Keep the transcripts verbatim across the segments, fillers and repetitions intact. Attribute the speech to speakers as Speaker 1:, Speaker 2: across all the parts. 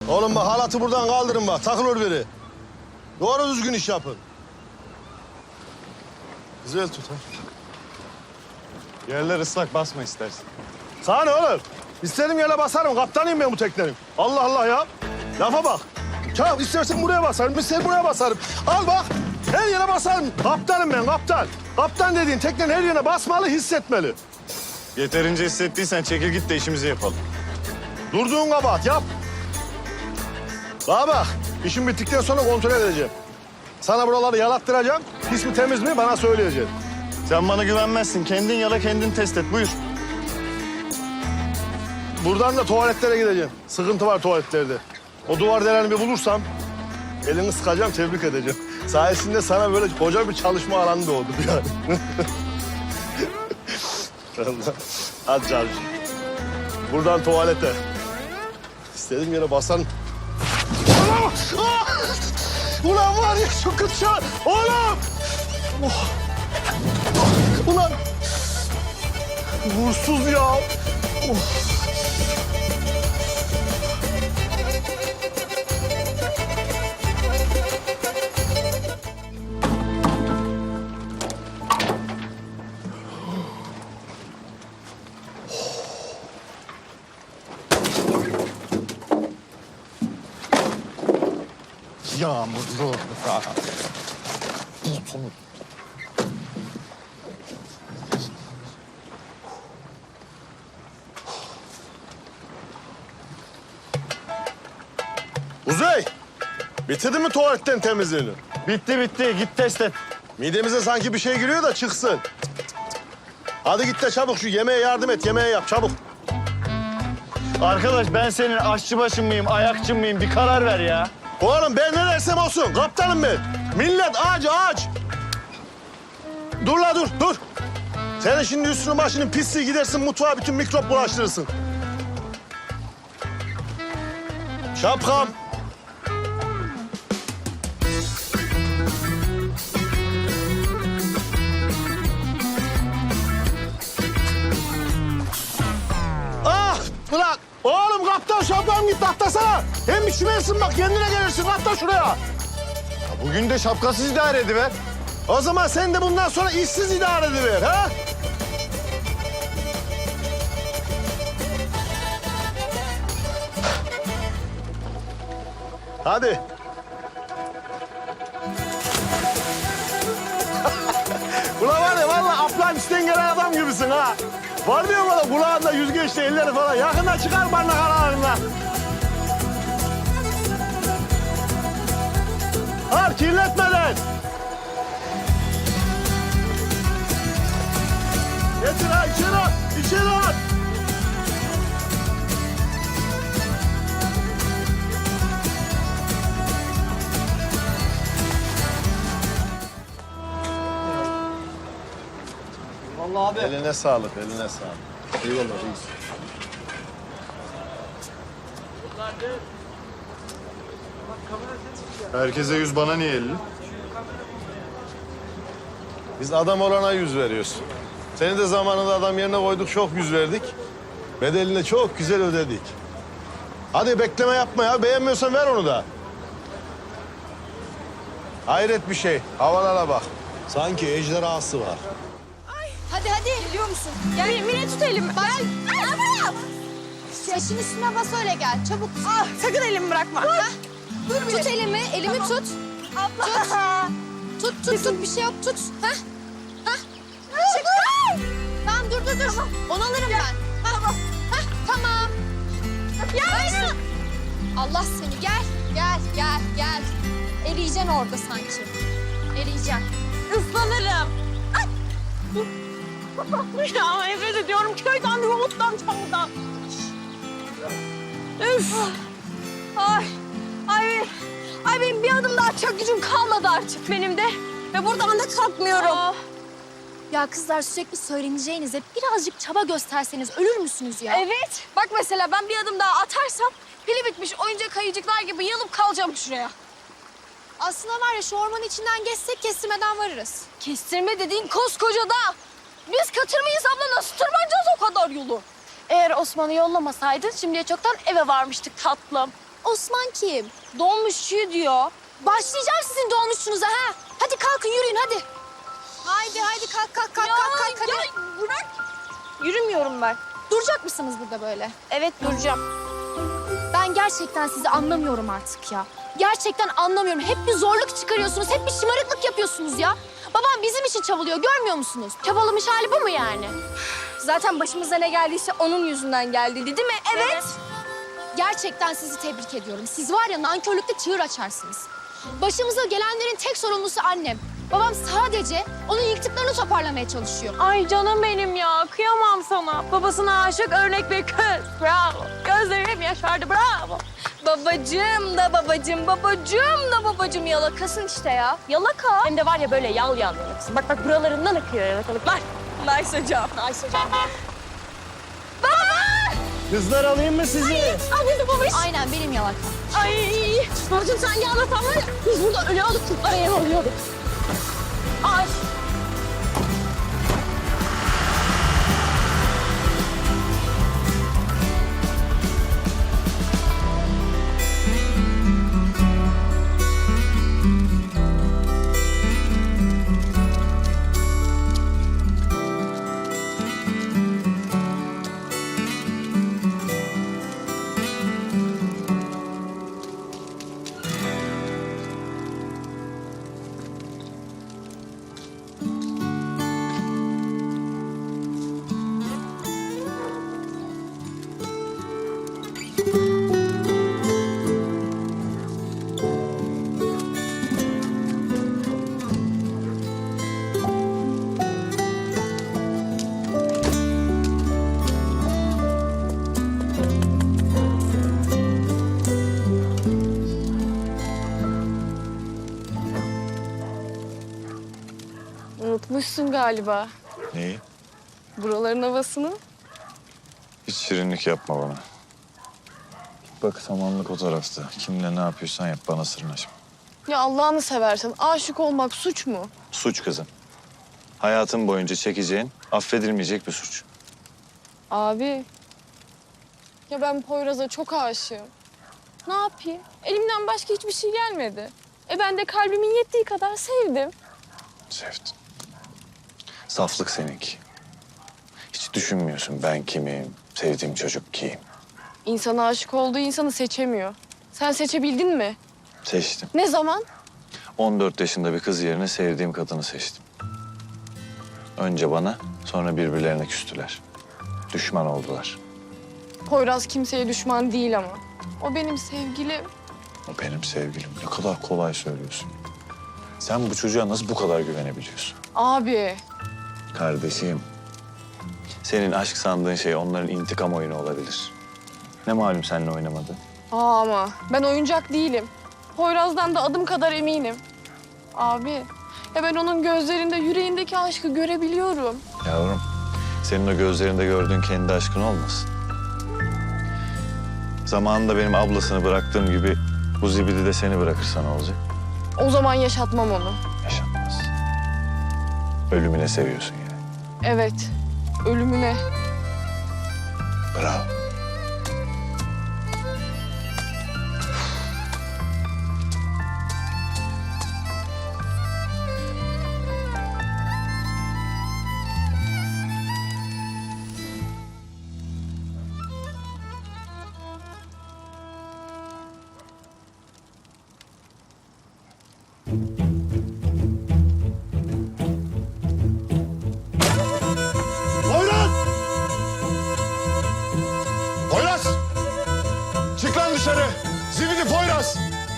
Speaker 1: Oğlum bak halatı buradan kaldırın bak. Takılır biri. Doğru düzgün iş yapın. Güzel tut ha.
Speaker 2: Yerler ıslak, basma istersen.
Speaker 1: Sana ne oğlum? İstediğim yere basarım. Kaptanıyım ben bu teknenin. Allah Allah ya. Lafa bak. Çabuk istersen buraya basarım, istersen buraya basarım. Al bak. Her yere basarım. Kaptanım ben, kaptan. Kaptan dediğin teknenin her yerine basmalı, hissetmeli.
Speaker 2: Yeterince hissettiysen çekil git de işimizi yapalım.
Speaker 1: Durduğun kabahat yap. Bana bak. İşim bittikten sonra kontrol edeceğim. Sana buraları yalattıracağım. Pis mi temiz mi bana söyleyeceksin.
Speaker 2: Sen bana güvenmezsin. Kendin yala, kendin test et. Buyur.
Speaker 1: Buradan da tuvaletlere gideceğim. Sıkıntı var tuvaletlerde. O duvar delerini bir bulursam elini sıkacağım, tebrik edeceğim. Sayesinde sana böyle koca bir çalışma alanı doğdu yani. Allah. Hadi Cavcı. Buradan tuvalete. İstediğim yere basan. Ulan! Ah! Ulan var ya şu kıtça! Oğlum! Oh! Ulan! Vursuz ya! Oh!
Speaker 2: Yağmurlu.
Speaker 1: Uzey! Bitirdin mi tuvaletten temizliğini?
Speaker 2: Bitti bitti. Git test et.
Speaker 1: Midemize sanki bir şey giriyor da çıksın. Hadi git de çabuk şu yemeğe yardım et, yemeğe yap çabuk.
Speaker 2: Arkadaş ben senin aşçı başın mıyım, ayakçın mıyım? Bir karar ver ya.
Speaker 1: Oğlum ben ne dersem olsun, kaptanım ben. Millet aç aç. Dur la dur, dur. Senin şimdi üstünün başının pisliği gidersin mutfağa bütün mikrop bulaştırırsın. Şapkam. Ah! Ulan! Oğlum kaptan şapkam git atlasana. Hem üşümersin bak kendine gelirsin atla şuraya.
Speaker 2: Bugün de şapkasız idare ediver.
Speaker 1: O zaman sen de bundan sonra işsiz idare ediver ha? Hadi. Ulan var ya vallahi Atlantis'ten gelen adam gibisin ha. Var diyor bana kulağında yüzgeçli elleri falan. Yakında çıkar barnak aralarından. Al kirletmeden. Getir ha içeri at, içeri at.
Speaker 3: Vallahi abi.
Speaker 1: Eline sağlık, eline sağlık. Eyvallah reis.
Speaker 2: Herkese yüz, bana niye elli?
Speaker 1: Biz adam olana yüz veriyoruz. Seni de zamanında adam yerine koyduk, çok yüz verdik. Bedelini de çok güzel ödedik. Hadi bekleme yapma ya, beğenmiyorsan ver onu da. Hayret bir şey, havalara bak. Sanki ejderhası var.
Speaker 4: Hadi hadi. Biliyor musun? Gel Mine tut elimi. Bak. Gel buraya. Saçın üstüne bas öyle gel. Çabuk.
Speaker 5: Ah, sakın elimi bırakma.
Speaker 4: Ha? Dur tut elimi. Elimi tut.
Speaker 5: Abla.
Speaker 4: Tut. Tut tut tut. Bir şey yok. Tut. Ha? Ha? Çık. Tamam dur dur dur. Onu alırım ben. Tamam. Ha? Tamam. Ya. Allah seni. Gel. Gel gel gel. Eriyeceksin orada sanki. Eriyeceksin.
Speaker 5: Islanırım. Ay. Ya nefret ediyorum köyden, yoluktan, çamurdan. Üf. Ay. Ay. Ay benim bir adım daha atacak gücüm kalmadı artık benim de. Ve buradan da kalkmıyorum.
Speaker 4: Aa. Ya kızlar sürekli söyleneceğinize birazcık çaba gösterseniz ölür müsünüz ya?
Speaker 5: Evet. Bak mesela ben bir adım daha atarsam pili bitmiş oyuncak ayıcıklar gibi yılıp kalacağım şuraya.
Speaker 4: Aslında var ya şu ormanın içinden geçsek kestirmeden varırız.
Speaker 5: Kestirme dediğin koskoca dağ. Biz katır mıyız abla? Nasıl tırmanacağız o kadar yolu? Eğer Osman'ı yollamasaydın şimdiye çoktan eve varmıştık tatlım.
Speaker 4: Osman kim?
Speaker 5: Dolmuşçuyu diyor.
Speaker 4: Başlayacağım sizin dolmuşçunuza ha. Hadi kalkın yürüyün hadi. Haydi haydi kalk kalk kalk
Speaker 5: Ya,
Speaker 4: kalk kalk hadi.
Speaker 5: ya bırak. Yürümüyorum ben.
Speaker 4: Duracak mısınız burada böyle?
Speaker 5: Evet duracağım.
Speaker 4: Ben gerçekten sizi anlamıyorum artık ya. Gerçekten anlamıyorum. Hep bir zorluk çıkarıyorsunuz, hep bir şımarıklık yapıyorsunuz ya. Babam bizim için çabalıyor, görmüyor musunuz? Çabalamış hali bu mu yani?
Speaker 5: Zaten başımıza ne geldiyse onun yüzünden geldi değil mi? Evet.
Speaker 4: Gerçekten sizi tebrik ediyorum. Siz var ya nankörlükte çığır açarsınız. Başımıza gelenlerin tek sorumlusu annem. Babam sadece onun yıktıklarını toparlamaya çalışıyor.
Speaker 5: Ay canım benim ya. Kıyamam sana. Babasına aşık örnek bir kız. Bravo. Gözlerim yaşardı. Bravo. Babacığım da babacığım, babacığım da babacığım yalakasın işte ya. Yalaka. Hem de var ya böyle yal yal yalakasın. Bak bak buralarından akıyor yalakalıklar. Nice hocam. Nice hocam.
Speaker 2: Kızlar alayım mı sizi?
Speaker 5: Abi babiş.
Speaker 4: Aynen benim yalakam.
Speaker 5: Ay. Babacığım sen yalatan var ya. Biz burada öyle alıp araya alıyorduk. Ay. Unutmuşsun galiba
Speaker 2: Neyi?
Speaker 5: buraların havasını.
Speaker 2: Hiç şirinlik yapma bana. Bak samanlık o tarafta. Kimle ne yapıyorsan yap, bana sırnaşma.
Speaker 5: Ya Allah'ını seversen aşık olmak suç mu?
Speaker 2: Suç kızım. Hayatın boyunca çekeceğin, affedilmeyecek bir suç.
Speaker 5: Abi. Ya ben Poyraz'a çok aşığım. Ne yapayım? Elimden başka hiçbir şey gelmedi. E ben de kalbimin yettiği kadar sevdim.
Speaker 2: Sevdim. Saflık seninki. Hiç düşünmüyorsun ben kimim, sevdiğim çocuk kim.
Speaker 5: İnsan aşık olduğu insanı seçemiyor. Sen seçebildin mi?
Speaker 2: Seçtim.
Speaker 5: Ne zaman?
Speaker 2: on dört yaşında bir kız yerine sevdiğim kadını seçtim. Önce bana, sonra birbirlerine küstüler. Düşman oldular.
Speaker 5: Poyraz kimseye düşman değil ama. O benim sevgilim.
Speaker 2: O benim sevgilim. Ne kadar kolay söylüyorsun. Sen bu çocuğa nasıl bu kadar güvenebiliyorsun?
Speaker 5: Abi.
Speaker 2: Kardeşim, senin aşk sandığın şey onların intikam oyunu olabilir. Ne malum seninle oynamadı?
Speaker 5: Aa ama ben oyuncak değilim. Poyraz'dan da adım kadar eminim. Abi. Ya ben onun gözlerinde yüreğindeki aşkı görebiliyorum.
Speaker 2: Yavrum, senin o gözlerinde gördüğün kendi aşkın olmasın. Zamanında benim ablasını bıraktığım gibi bu zibidi de seni bırakırsa ne olacak?
Speaker 5: O zaman yaşatmam onu.
Speaker 2: Yaşanmaz. Ölümüne seviyorsun yani.
Speaker 5: Evet. Ölümüne.
Speaker 2: Bravo.
Speaker 1: Poyraz! Poyraz! Çık lan dışarı. Zibidi Poyraz.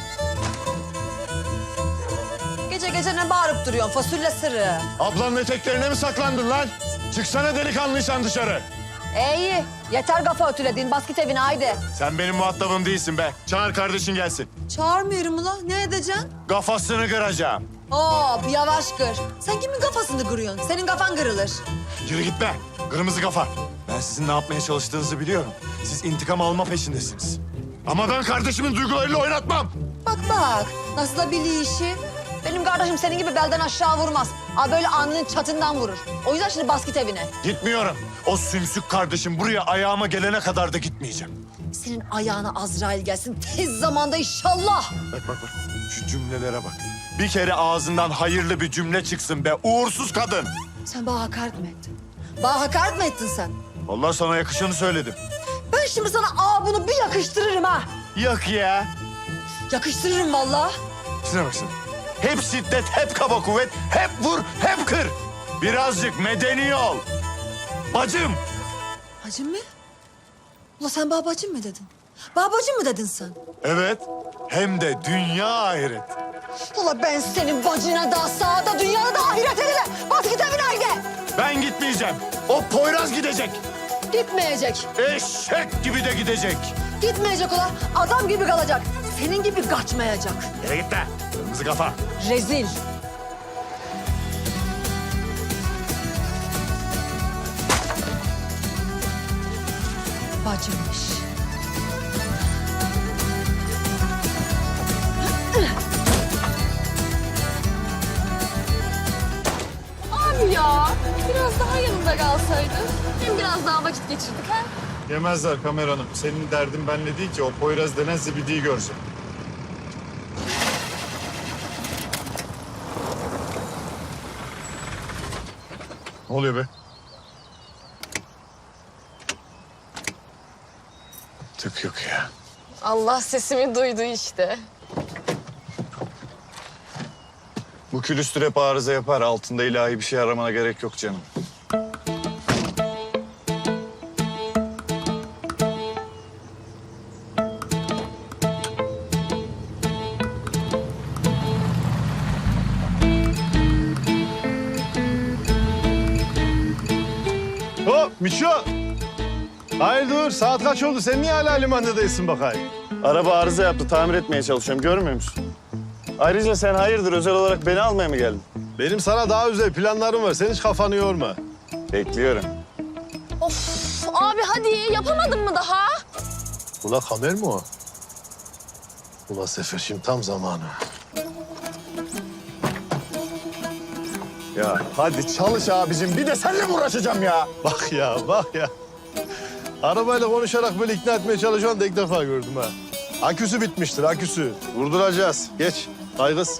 Speaker 3: Gece gece ne bağırıp duruyorsun fasulye sırrı?
Speaker 1: Ablanın eteklerine mi saklandın lan? Çıksana delikanlıysan dışarı.
Speaker 3: İyi, yeter kafa ötüledin. Bas git evine haydi.
Speaker 1: Sen benim muhatabım değilsin be. Çağır kardeşin gelsin.
Speaker 3: Çağırmıyorum ula. Ne edeceksin?
Speaker 1: Kafasını kıracağım.
Speaker 3: Oo, bir yavaş kır. Sen kimin kafasını kırıyorsun? Senin kafan kırılır.
Speaker 1: Yürü git be. Kırmızı kafa. Ben sizin ne yapmaya çalıştığınızı biliyorum. Siz intikam alma peşindesiniz. Ama ben kardeşimin duygularıyla oynatmam.
Speaker 3: Bak bak, nasıl da biliyor işi. Benim kardeşim senin gibi belden aşağı vurmaz. Aa, böyle alnının çatından vurur. O yüzden şimdi bas git evine.
Speaker 1: Gitmiyorum. O sümsük kardeşim buraya ayağıma gelene kadar da gitmeyeceğim.
Speaker 3: senin ayağına Azrail gelsin tez zamanda inşallah.
Speaker 6: Bak bak bak. Şu cümlelere bak. Bir kere ağzından hayırlı bir cümle çıksın be uğursuz kadın.
Speaker 3: Sen bana hakaret mi ettin? Bana hakaret mi ettin sen?
Speaker 6: Allah sana yakışanı söyledim.
Speaker 3: Ben şimdi sana aa bunu bir yakıştırırım ha.
Speaker 6: Yok ya.
Speaker 3: Yakıştırırım vallahi.
Speaker 6: Şuna bak sen. Hep şiddet, hep kaba kuvvet, hep vur, hep kır. Birazcık medeni ol. Bacım.
Speaker 3: Bacım mı? Ula sen bana bacım mı dedin? Bana bacım mı dedin sen?
Speaker 6: Evet. Hem de dünya ahiret.
Speaker 3: Ula ben senin bacına da sağda dünyada da ahiret edile. Bas git evine haydi.
Speaker 6: Ben gitmeyeceğim. O Poyraz gidecek.
Speaker 3: Gitmeyecek.
Speaker 6: Eşek gibi de gidecek.
Speaker 3: Gitmeyecek ula. Adam gibi kalacak. Senin gibi kaçmayacak.
Speaker 6: Yere git de. Kırmızı kafa.
Speaker 3: Rezil. Bacımmış.
Speaker 5: Abi ya biraz daha yanında kalsaydın. Hem biraz daha vakit geçirdik ha.
Speaker 6: Yemezler kameranım. Senin derdin benle değil ki. O Poyraz denen zibidiyi görsün. Ne oluyor be?
Speaker 2: Tık yok ya.
Speaker 5: Allah sesimi duydu işte.
Speaker 2: Bu külüstür hep arıza yapar. Altında ilahi bir şey aramana gerek yok canım.
Speaker 1: Hop Miço. Hayır dur saat kaç oldu? Sen niye hala limanda değilsin bakayım?
Speaker 2: Araba arıza yaptı. Tamir etmeye çalışıyorum. Görmüyor musun? Ayrıca sen hayırdır? Özel olarak beni almaya mı geldin?
Speaker 1: Benim sana daha özel planlarım var. Sen hiç kafanı yorma.
Speaker 2: Bekliyorum.
Speaker 5: Of abi hadi yapamadın mı daha?
Speaker 1: Ula kamer mi o? Ula Sefer şimdi tam zamanı.
Speaker 6: Ya hadi çalış abicim. Bir de seninle mi uğraşacağım ya?
Speaker 1: Bak ya bak ya. Arabayla konuşarak böyle ikna etmeye çalışan da ilk defa gördüm ha. Aküsü bitmiştir aküsü. Vurduracağız. Geç. Kaygız.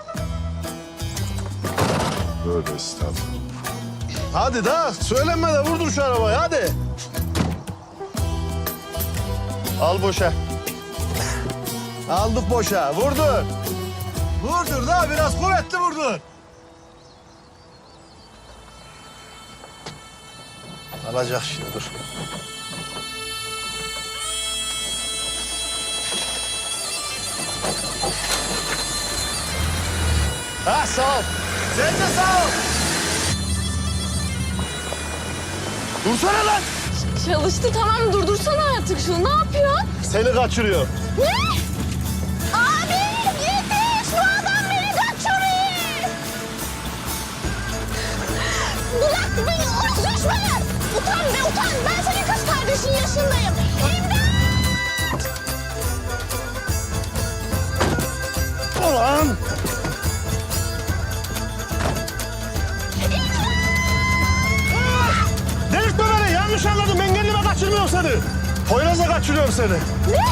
Speaker 6: Böyle estağfurullah.
Speaker 1: Hadi da söylenme de vurdur şu arabayı hadi. Al boşa. Aldık boşa. Vurdur. Vurdur da biraz kuvvetli vurdur. Alacak şimdi dur. Ha sağ ol. Sen de sağ ol. Dursana lan.
Speaker 5: Çalıştı tamam durdursana artık şunu ne yapıyorsun?
Speaker 1: Seni kaçırıyor.
Speaker 5: Ne? Abi yetiş şu adam beni kaçırıyor. Bırak beni orası düşman. Utan be utan ben senin kız kardeşin yaşındayım. İmdat!
Speaker 1: Ulan. Delirtme beni. Yanlış anladım. Ben kendime kaçırmıyorum seni. Poyraz'a kaçırıyorum seni.
Speaker 5: Ne?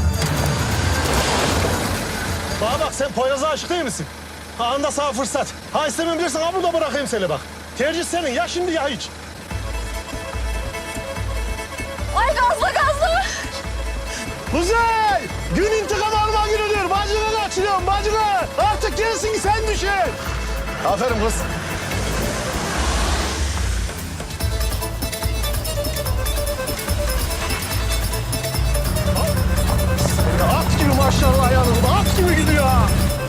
Speaker 1: Bana bak sen Poyraz'a aşık değil misin? Anda sağ fırsat. Ha istemem bilirsen ha burada bırakayım seni bak. Tercih senin ya şimdi ya hiç.
Speaker 5: Ay gazla gazla.
Speaker 1: Kuzey! Gün intikam alma günüdür. Bacını kaçırıyorum bacını. Artık gerisini sen düşün. Aferin kız. Ya at gibi maşallah yanımda. At gibi gidiyor ha.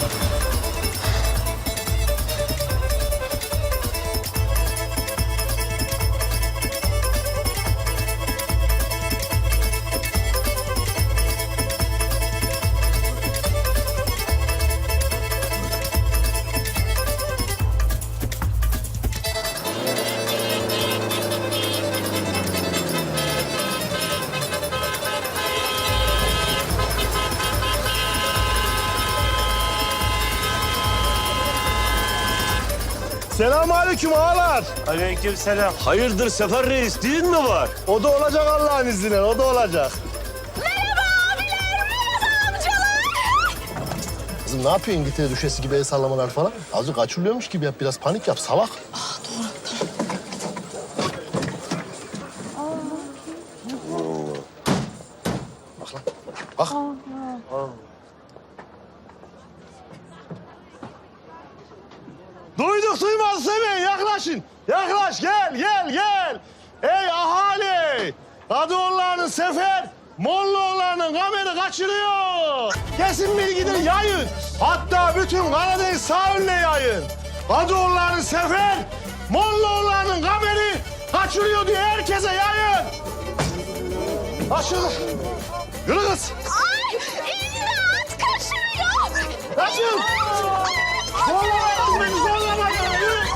Speaker 1: Selamünaleyküm ağalar.
Speaker 7: Aleykümselam. Hayırdır Sefer Reis, düğün mü var?
Speaker 1: O da olacak Allah'ın izniyle, o da olacak.
Speaker 5: Ver
Speaker 1: Kızım ne yapıyor İngiltere düşesi gibi el sallamalar falan? Azıcık kaçırılıyormuş gibi yap, biraz panik yap, salak. Bak lan, bak. Duyduk duymaz demeyin, yaklaşın. Yaklaş, gel, gel, gel. Ey ahali! Kadıoğulları'nın sefer, Mollaoğulları'nın kameri kaçırıyor. Kesin bilgidir yayın. Hatta bütün Karadeniz sahiline yayın. Kadıoğulları'nın sefer, Mollaoğulları'nın kameri kaçırıyor diye herkese yayın. Kaçın. Yürü kız.
Speaker 4: Ay imdat kaçırıyor.
Speaker 1: Kaçın. Zorlamayın beni, zorlamayın. Yürü.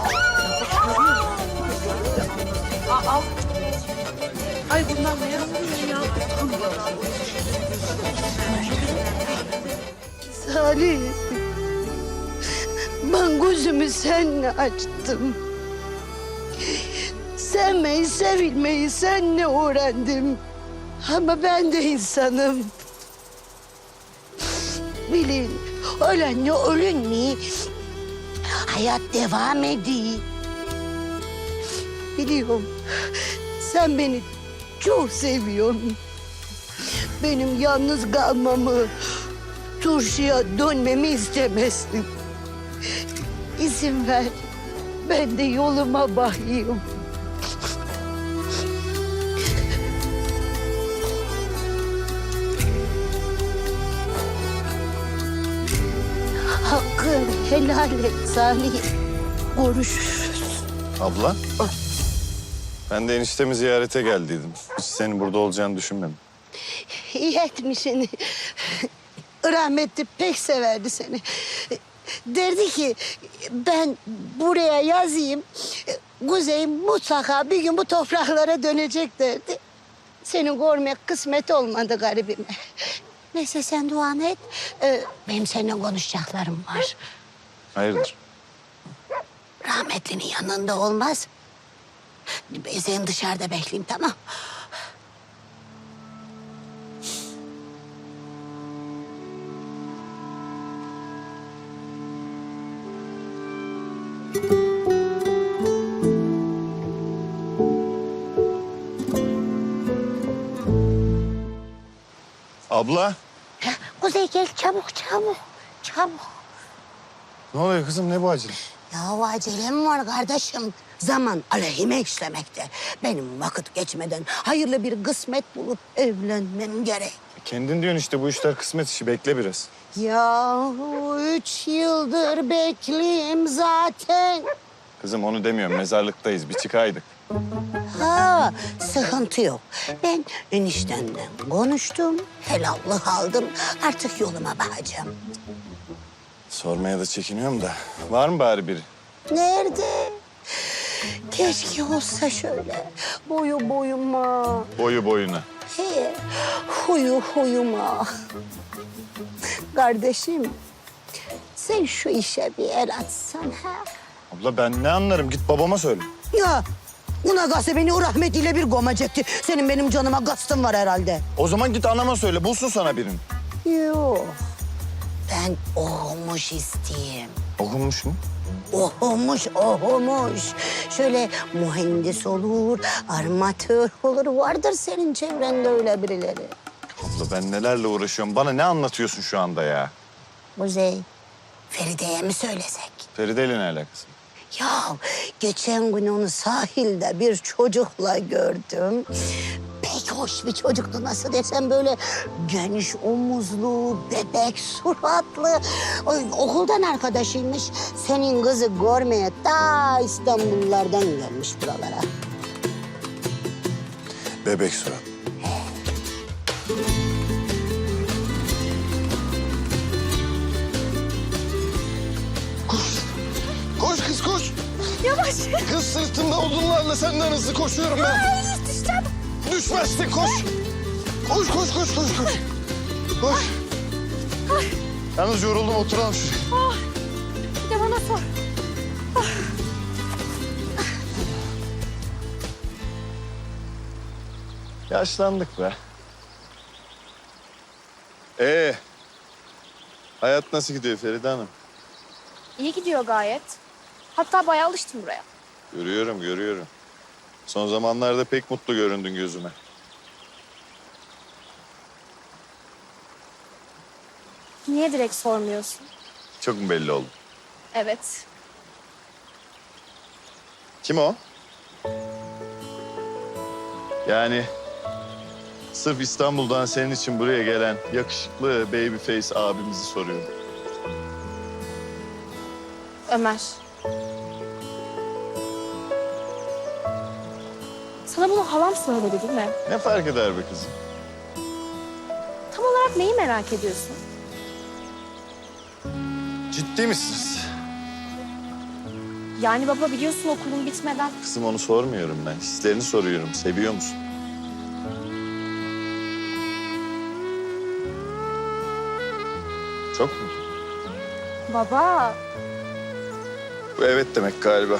Speaker 7: Salih, ben gözümü seninle açtım. Sevmeyi, sevilmeyi seninle öğrendim. Ama ben de insanım. Bilin, ölenle ölünmeyi, hayat devam ediyor. Biliyorum, sen beni çok seviyorsun. Benim yalnız kalmamı, turşuya dönmemi istemezsin. İzin ver, ben de yoluma bakayım. Hakkın helal et Salih. Görüşürüz.
Speaker 2: Abla. Ben de eniştemi ziyarete geldiydim. Hiç senin burada olacağını düşünmedim.
Speaker 7: İyi etmişsin. Rahmetli pek severdi seni. Derdi ki ben buraya yazayım. Kuzey mutlaka bir gün bu topraklara dönecek derdi. Seni görmek kısmet olmadı garibime. Neyse sen duanı et. Ee, benim seninle konuşacaklarım var.
Speaker 2: Hayırdır?
Speaker 7: Rahmetlinin yanında olmaz. Ben seni dışarıda bekleyeyim, tamam?
Speaker 2: Abla.
Speaker 7: Ha, Kuzey gel çabuk çabuk. Çabuk.
Speaker 2: Ne oluyor kızım? Ne bu acele?
Speaker 7: Ya acelem var kardeşim. Zaman aleyhime işlemekte. Benim vakit geçmeden hayırlı bir kısmet bulup evlenmem gerek.
Speaker 2: Kendin diyorsun işte bu işler kısmet işi. Bekle biraz.
Speaker 7: Ya üç yıldır bekleyeyim zaten.
Speaker 2: Kızım onu demiyorum. Mezarlıktayız. Bir çıkaydık.
Speaker 7: Ha, sıkıntı yok. Ben eniştemden konuştum, helallik aldım. Artık yoluma bakacağım.
Speaker 2: Sormaya da çekiniyorum da. Var mı bari biri?
Speaker 7: Nerede? Keşke olsa şöyle. Boyu boyuma.
Speaker 2: Boyu boyuna.
Speaker 7: He, huyu huyuma. Kardeşim, sen şu işe bir el atsan ha.
Speaker 2: Abla ben ne anlarım? Git babama söyle.
Speaker 7: Ya, buna gazete beni o rahmetiyle bir gomacaktı. Senin benim canıma gastın var herhalde.
Speaker 2: O zaman git anama söyle. Bulsun sana birini.
Speaker 7: Yok, ben okumuş isteyeyim.
Speaker 2: Okunmuş mu?
Speaker 7: Okumuş, okumuş. Şöyle mühendis olur, armatör olur. Vardır senin çevrende öyle birileri.
Speaker 2: Abla ben nelerle uğraşıyorum. Bana ne anlatıyorsun şu anda ya?
Speaker 7: Kuzey, Feride'ye mi söylesek?
Speaker 2: Feride ile ne alakası?
Speaker 7: Ya geçen gün onu sahilde bir çocukla gördüm. Pek hoş bir çocuktu, nasıl desem, böyle geniş omuzlu, bebek suratlı. Ay, okuldan arkadaşıymış. Senin kızı görmeye ta İstanbullardan gelmiş buralara.
Speaker 2: Bebek surat.
Speaker 1: Koş kız koş. Yavaş. Kız sırtımda odunlarla senden hızlı koşuyorum ben. Ay düşeceğim. Düşmezsin koş. Koş koş koş koş koş. Koş. Yalnız yoruldum, oturalım şuraya.
Speaker 5: Bir de bana sor.
Speaker 2: Yaşlandık be. Ee,
Speaker 6: Hayat nasıl gidiyor Feride Hanım?
Speaker 5: İyi gidiyor gayet. Hatta bayağı alıştım buraya.
Speaker 6: Görüyorum, görüyorum. Son zamanlarda pek mutlu göründün gözüme.
Speaker 5: Niye direkt sormuyorsun?
Speaker 6: Çok mu belli oldu?
Speaker 5: Evet.
Speaker 6: Kim o? Yani sırf İstanbul'dan senin için buraya gelen yakışıklı babyface abimizi soruyorum.
Speaker 5: Ömer. Sana bunu halam söyledi değil mi?
Speaker 6: Ne fark eder be kızım?
Speaker 5: Tam olarak neyi merak ediyorsun?
Speaker 6: Ciddi misiniz?
Speaker 5: Yani baba biliyorsun okulun bitmeden.
Speaker 6: Kızım onu sormuyorum ben. Hislerini soruyorum. Seviyor musun? Çok mu?
Speaker 5: Baba.
Speaker 6: Bu evet demek galiba.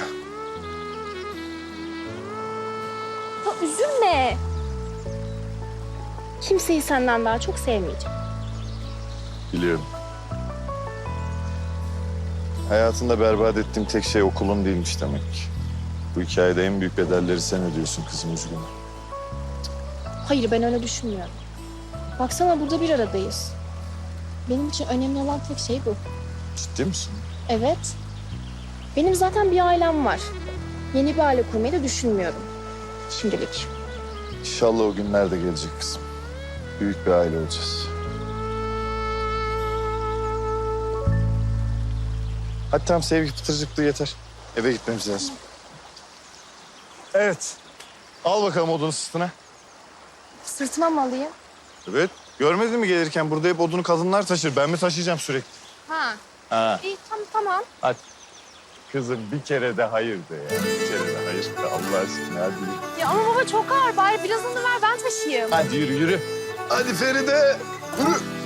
Speaker 5: Ya üzülme. Kimseyi senden daha çok sevmeyeceğim.
Speaker 6: Biliyorum. Hayatında berbat ettiğim tek şey okulun değilmiş demek ki. Bu hikayede en büyük bedelleri sen ödüyorsun kızım, üzgünüm.
Speaker 5: Hayır ben öyle düşünmüyorum. Baksana burada bir aradayız. Benim için önemli olan tek şey bu.
Speaker 6: Ciddi misin?
Speaker 5: Evet. Benim zaten bir ailem var. Yeni bir aile kurmayı da düşünmüyorum. Şimdilik.
Speaker 6: İnşallah o günler de gelecek kızım. Büyük bir aile olacağız. Hadi tamam, sevgi pıtırcıklığı yeter. Eve gitmemiz lazım. Evet. Al bakalım odunu sırtına.
Speaker 5: Sırtıma mı alayım?
Speaker 6: Evet. Görmedin mi gelirken burada hep odunu kadınlar taşır. Ben mi taşıyacağım sürekli?
Speaker 5: Ha.
Speaker 6: Ha.
Speaker 5: İyi tamam tamam.
Speaker 6: Hadi. Kızım bir kere de hayır de ya. Bir kere de hayır de Allah aşkına hadi yürü.
Speaker 5: Ya ama baba çok ağır. Bari birazını ver ben taşıyayım.
Speaker 6: Hadi yürü yürü. Hadi Feride. Yürü.